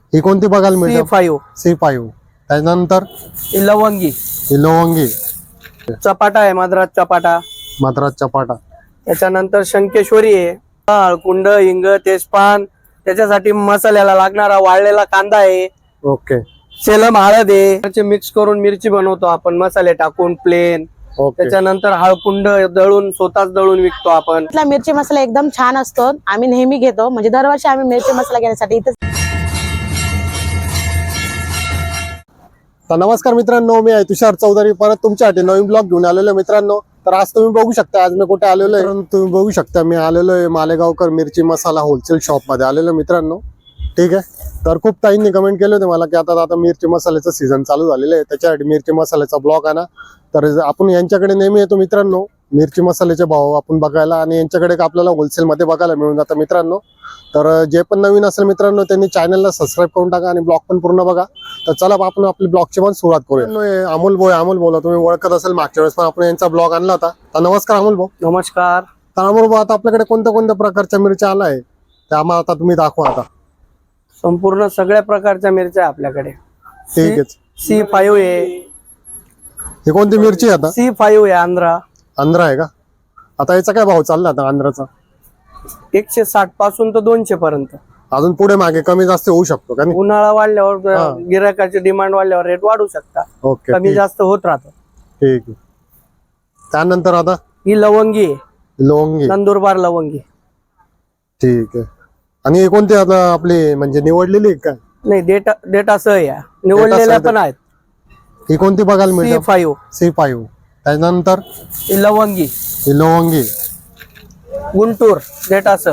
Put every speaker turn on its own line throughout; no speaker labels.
ही कोणती बघायला मिळते?
C5
त्यानंतर
ही लवंगी,
ही लवंगी,
चपाटा आहे मद्रास चपाटा.
मद्रास चपाटा.
त्याच्यानंतर शंकेश्वरी आहे, हळकुंड, हिंग, तेजपान, त्याच्यासाठी मसाल्याला लागणारा वाळलेला कांदा आहे,
ओके
सेलम हळद आहे, मिक्स करून मिरची बनवतो आपण मसाले टाकून प्लेन.
ओके.
त्याच्यानंतर हळकुंड दळून स्वतःच दळून विकतो आपण.
इथला मिरची मसाला एकदम छान असतो, आम्ही नेहमी घेतो, म्हणजे दरवर्षी आम्ही मिरची मसाला घेण्यासाठी इथे.
तर नमस्कार मित्रांनो, मी आहे तुषार चौधरी, परत तुमच्यासाठी नवीन ब्लॉग घेऊन आलेलो मित्रांनो. तर आज तुम्ही बघू शकता आज मी कुठे आलेलो आहे. तुम्ही बघू शकता मी आलेलो आहे मालेगावकर मिरची मसाला होलसेल शॉप मध्ये आलेलो मित्रांनो. ठीक आहे. तर खूप ताईंनी कमेंट केले होते मला की आता मिरची मसाल्याचं सीझन चालू झालेलं आहे, त्याच्यासाठी मिरची मसाल्याचा ब्लॉग आणा. तर आपण यांच्याकडे नेहमी येतो मित्रांनो मिरची मसाल्याचे भाव आपण बघायला, आणि यांच्याकडे आपल्याला होलसेल मध्ये बघायला मिळून जातं मित्रांनो. तर जे पण नवीन असेल मित्रांनो त्यांनी चॅनलला सबस्क्राईब करून टाका आणि ब्लॉग पण पूर्ण बघा. तर चला आपण आपली ब्लॉगची पण सुरुवात करूया. अमोल बोला, तुम्ही ओळखत असेल, मागच्या वेळेस पण आपण यांचा ब्लॉग आणला होता. तर नमस्कार अमोल भाऊ.
नमस्कार.
तर अमोल भाऊ, आता आपल्याकडे कोणत्या कोणत्या प्रकारच्या मिरच्या आला आहे ते आम्हाला आता तुम्ही दाखवा. आता
संपूर्ण सगळ्या प्रकारच्या मिरच्या आपल्याकडे.
ठीक आहे.
C5 आहे.
ही कोणती मिरची आहे? आता
C5 आहे,
आंध्रा आहे का? आता याचा काय भाव चालला आता आंध्राचा?
160 पासून तर 200 पर्यंत.
अजून पुढे मागे कमी जास्त होऊ शकतो का?
उन्हाळा वाढल्यावर गिरायकाची डिमांड वाढल्यावर रेट वाढू शकता,
ओके.
कमी जास्त होत राहतं.
ठीक आहे. त्यानंतर आता
ही लवंगी आहे,
लवंगी,
नंदुरबार लवंगी.
ठीक आहे. आणि हे कोणती आता आपली म्हणजे निवडलेली का?
नाही, डेटा सह या निवडलेल्या पण आहेत.
ही कोणती बघायला मिळते?
C5.
त्यानंतर
ही लवंगी,
ही लवंगी,
गुंटूर डेटा सह.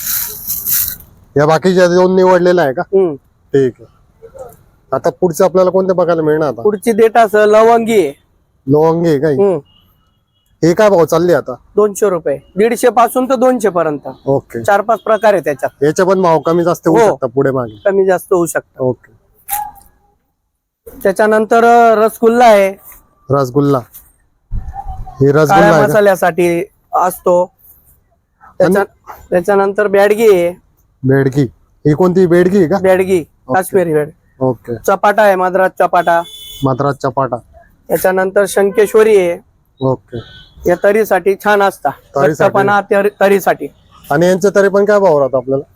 या बाकीच्या दोन निवडलेल्या आहे का? ठीक आहे. आता पुढचं आपल्याला कोणते बघायला मिळणार? आता
पुढची डेटा सह लवंगी आहे,
लवंगी आहे का? हे काय भाव चालले आता?
200 रुपये, 150 पासून तर 200 पर्यंत.
ओके.
4-5 प्रकार आहे त्याच्यात.
याचे पण भाव कमी जास्त होऊ शकतात पुढे मागे?
कमी जास्त होऊ शकतात.
ओके.
त्याच्यानंतर रसगुल्ला आहे,
रसगुल्ला, ही
काळ्या
रसगुल्ला आहे का?
मसाल्यासाठी असतो. त्याच्यानंतर बेडगी आहे,
बेडगी. ही कोणती बेडगी आहे का?
बेडगी काश्मीरी बेड.
ओके.
चपाटा आहे, मद्रास चपाटा.
मद्रास चपाटा.
त्याच्यानंतर शंकेश्वरी आहे,
ओके.
या तरीसाठी छान असता, घट्टपणा तरीसाठी.
आणि यांचे तरी पण काय भाव राहतो आपल्याला?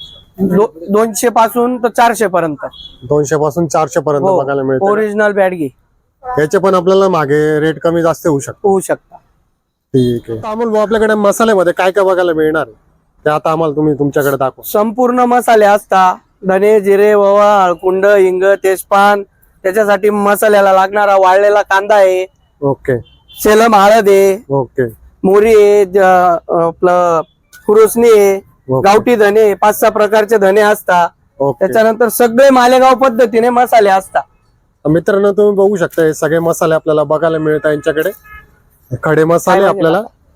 200 पासून तर 400 पर्यंत.
200 पासून 400 पर्यंत बघायला मिळते.
ओरिजिनल बॅडगी.
याचे पण आपल्याला मागे रेट कमी जास्त होऊ शकता. ठीक आहे. अमोल भाऊ, आपल्याकडे मसाल्यामध्ये काय काय बघायला मिळणार ते आता आम्हाला तुम्ही तुमच्याकडे दाखवा.
संपूर्ण मसाले असता, धने, जिरे, ओवा, हळकुंड, हिंग, तेजपान, त्याच्यासाठी मसाल्याला लागणारा वाळलेला कांदा आहे,
ओके.
सेलम हळद आहे,
ओके.
मोरी आहे, आपलं खुरुसणी आहे, गावठी धने, 5-6 प्रकारचे धने असता.
ओके.
त्याच्यानंतर सगळे मालेगाव पद्धतीने मसाले असता.
मित्रांनो, तुम्ही बघू शकता हे सगळे मसाले आपल्याला बघायला मिळतात यांच्याकडे. खडे मसाले आपल्याला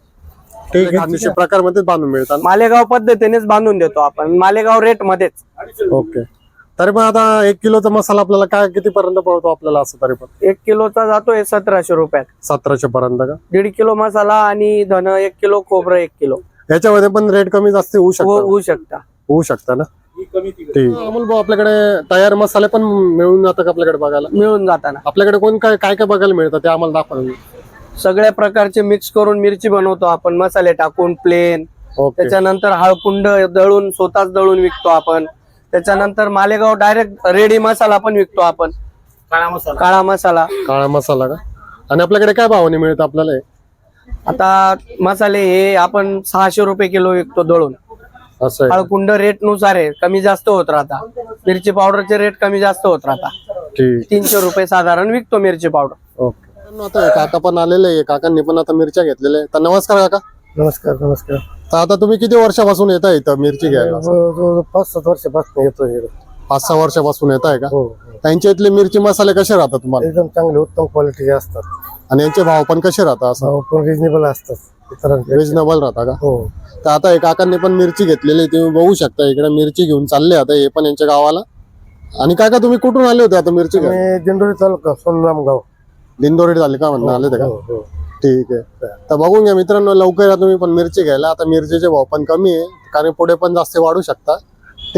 ठीक आहे 200 प्रकारमध्ये बांधून मिळतात.
मालेगाव पद्धतीनेच बांधून देतो आपण, मालेगाव रेट मध्येच.
ओके. तरी पण आता 1 किलोचा मसाला आपल्याला काय किती पर्यंत पडतो आपल्याला? असं तरी पण
1 किलोचा जातोय 1700 रुपयात.
1700 पर्यंत का?
1.5 किलो मसाला आणि धन 1 किलो, खोबरं 1 किलो.
याच्यामध्ये पण रेट कमी जास्त होऊ शकता? होऊ शकता ना. ठीक. अमोल भाऊ, आपल्याकडे तयार मसाले पण मिळून जातात का आपल्याकडे बघायला?
मिळून जाताना
आपल्याकडे कोण काय काय काय बघायला मिळतं ते आम्हाला दाखवा.
सगळ्या प्रकारचे मिक्स करून मिरची बनवतो आपण, मसाले टाकून प्लेन.
ओके.
त्याच्यानंतर हळकुंड दळून स्वतःच दळून विकतो आपण. त्याच्यानंतर मालेगाव डायरेक्ट रेडी मसाला पण विकतो आपण, काळा मसाला.
काळा मसाला का? आणि आपल्याकडे काय भावाने मिळतं आपल्याला हे?
आता मसाले हे आपण 600 रुपये किलो विकतो दळून.
असं आहे.
हळकुंड रेट नुसार आहे, कमी जास्त होत राहता. मिरची पावडरचे रेट कमी जास्त होत राहता.
ठीक.
300 रुपये साधारण विकतो मिरची पावडर.
ओके. आता काका पण आलेले आहे, काकांनी पण आता मिरच्या घेतलेल्या आहे. तर नमस्कार काका.
नमस्कार. नमस्कार.
तर आता तुम्ही किती वर्षापासून येता इथं मिरची घ्यायला?
5-7 वर्षापासून येतो.
5-6 वर्षापासून येत आहे का? त्यांच्या इथले मिरची मसाले कसे राहतात तुम्हाला?
एकदम चांगले, उत्तम क्वालिटीचे असतात.
आणि यांचे भाव पण कसे राहतात? असं
पण रिजनेबल असतात,
रिजनेबल राहता का?
हो.
तर आता हे काकांनी पण मिरची घेतलेली, तुम्ही बघू शकता इकडे मिरची घेऊन चालले आता हे पण यांच्या गावाला. आणि काका तुम्ही कुठून आले होते आता मिरची घ्यायला?
दिंडोरी तालुका, सोनराम गाव.
दिंडोरी झाले का म्हणून आले ते का? ठीक आहे. तर बघून घ्या मित्रांनो, लवकर या तुम्ही पण मिरची घ्यायला. आता मिरचीचे भाव पण कमी आहे, कारण पुढे पण जास्त वाढू शकता. ठीक आहे.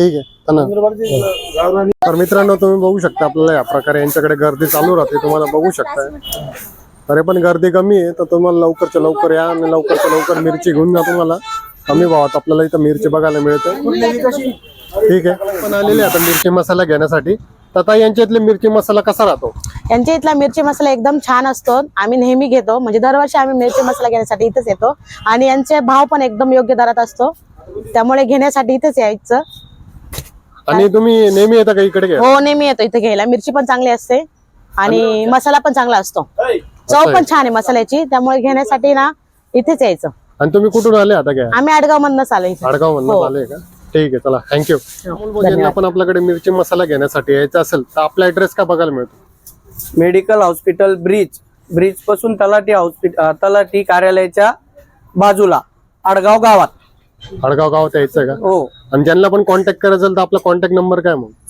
हा ना. तर मित्रांनो तुम्ही बघू शकता आपल्याला या प्रकारे यांच्याकडे गर्दी चालू राहते, तुम्हाला बघू शकता. तरी पण गर्दी कमी आहे, तर तुम्हाला लवकरच्या लवकर या आणि लवकरच्या लवकर मिरची घेऊन जा. तुम्हाला कमी भावात आपल्याला इथं मिरची बघायला मिळते. ठीक आहे, पण आलेले आता मिरची मसाला घेण्यासाठी. तर आता यांच्या इथले मिरची मसाला कसा राहतो?
यांच्या इथला मिरची मसाला एकदम छान असतो. आम्ही नेहमी घेतो, म्हणजे दरवर्षी आम्ही मिरची मसाला घेण्यासाठी इथेच येतो. आणि यांचे भाव पण एकदम योग्य दरात असतो, त्यामुळे घेण्यासाठी इथेच यायचं.
आणि तुम्ही नेहमी येता का इकडे घ्या?
हो, नेहमी येतो इथे घ्यायला. मिरची पण चांगली असते आणि मसाला पण चांगला असतो. चव पण छान आहे मसाल्याची, त्यामुळे घेण्यासाठी ना इथेच यायचं.
आणि तुम्ही कुठून आले आता घ्या?
आम्ही आडगाव मधनच आलो इथे.
आडगाव म्हणून आले का? ठीक आहे, चला थँक्यू. ज्यांना पण आपल्याकडे मिरची मसाला घेण्यासाठी यायचं असेल तर आपला ऍड्रेस काय बघायला मिळतो?
मेडिकल हॉस्पिटल ब्रिज पासून तलाठी कार्यालयाच्या बाजूला आडगाव गावात.
आडगाव गावात यायचं का?
हो.
आणि ज्यांना पण कॉन्टॅक्ट करायचं असेल तर आपला कॉन्टॅक्ट नंबर काय मग?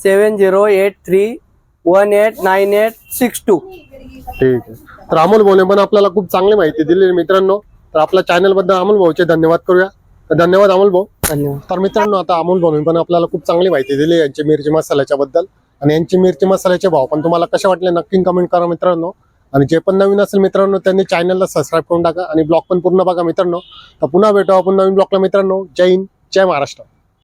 7083189862.
ठीक आहे. तर अमोल भाऊने पण आपल्याला खूप चांगली माहिती दिली मित्रांनो. तर आपल्या चॅनल बद्दल अमोल भाऊचे धन्यवाद करूया. तर धन्यवाद अमोल भाऊ.
धन्यवाद.
तर मित्रांनो आता अमोल भाऊने पण आपल्याला खूप चांगली माहिती दिली यांची मिरची मसाल्याच्या बद्दल. आणि यांची मिरची मसाल्याचे भाव पण तुम्हाला कसे वाटले नक्की कमेंट करा मित्रांनो. आणि जे पण नवीन असेल मित्रांनो त्यांनी चॅनलला सबस्क्राईब करून टाका आणि ब्लॉग पण पूर्ण बघा मित्रांनो. तर पुन्हा भेटू आपण नवीन ब्लॉगला मित्रांनो. जय हिंद, जय महाराष्ट्र.